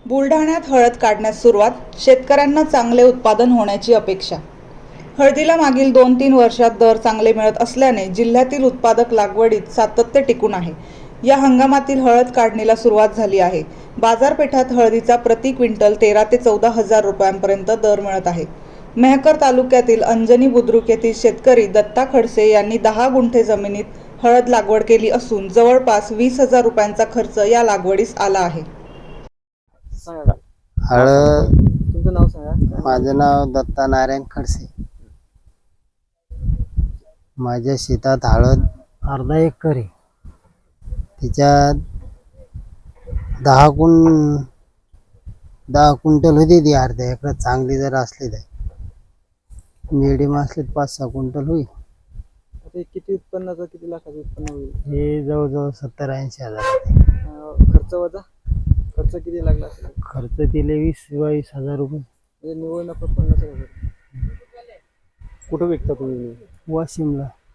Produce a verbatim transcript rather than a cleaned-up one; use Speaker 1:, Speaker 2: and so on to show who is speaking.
Speaker 1: बुलढाण्यात हळद काढण्यास सुरुवात, शेतकऱ्यांना चांगले उत्पादन होण्याची अपेक्षा. हळदीला मागील दोन तीन वर्षात दर चांगले मिळत असल्याने जिल्ह्यातील उत्पादक लागवडीत सातत्य टिकून आहे. या हंगामातील हळद काढणीला सुरुवात झाली आहे. बाजारपेठात हळदीचा प्रति क्विंटल तेरा ते चौदा हजार रुपयांपर्यंत दर मिळत आहे. मेहकर तालुक्यातील अंजनी बुद्रुक येथील शेतकरी दत्ता खडसे यांनी दहा गुंठे जमिनीत हळद लागवड केली असून जवळपास वीस हजार रुपयांचा खर्च या लागवडीस आला आहे.
Speaker 2: हळद
Speaker 3: तुमचं नाव सांगा.
Speaker 2: माझं नाव दत्ता नारायण खडसे. माझ्या शेतात हळद अर्धा एकर आहे. त्याच्यात दहा कुं दहा क्विंटल होती. ती अर्ध्या एकरात चांगली जर असली तर मिडियम असले पाच सहा क्विंटल होईल.
Speaker 3: आता हे किती उत्पन्नाचं, किती लाखाचं उत्पन्न होईल?
Speaker 2: हे जवळजवळ सत्तर ऐंशी हजार.
Speaker 3: अं, खर्च वजा खर्च किती लागला असेल?
Speaker 2: खर्च दिले वीस बावीस हजार रुपये.
Speaker 3: म्हणजे निव्वळ नफा पन्नास हजार. कुठं विकता तुम्ही?
Speaker 2: वाशिमला.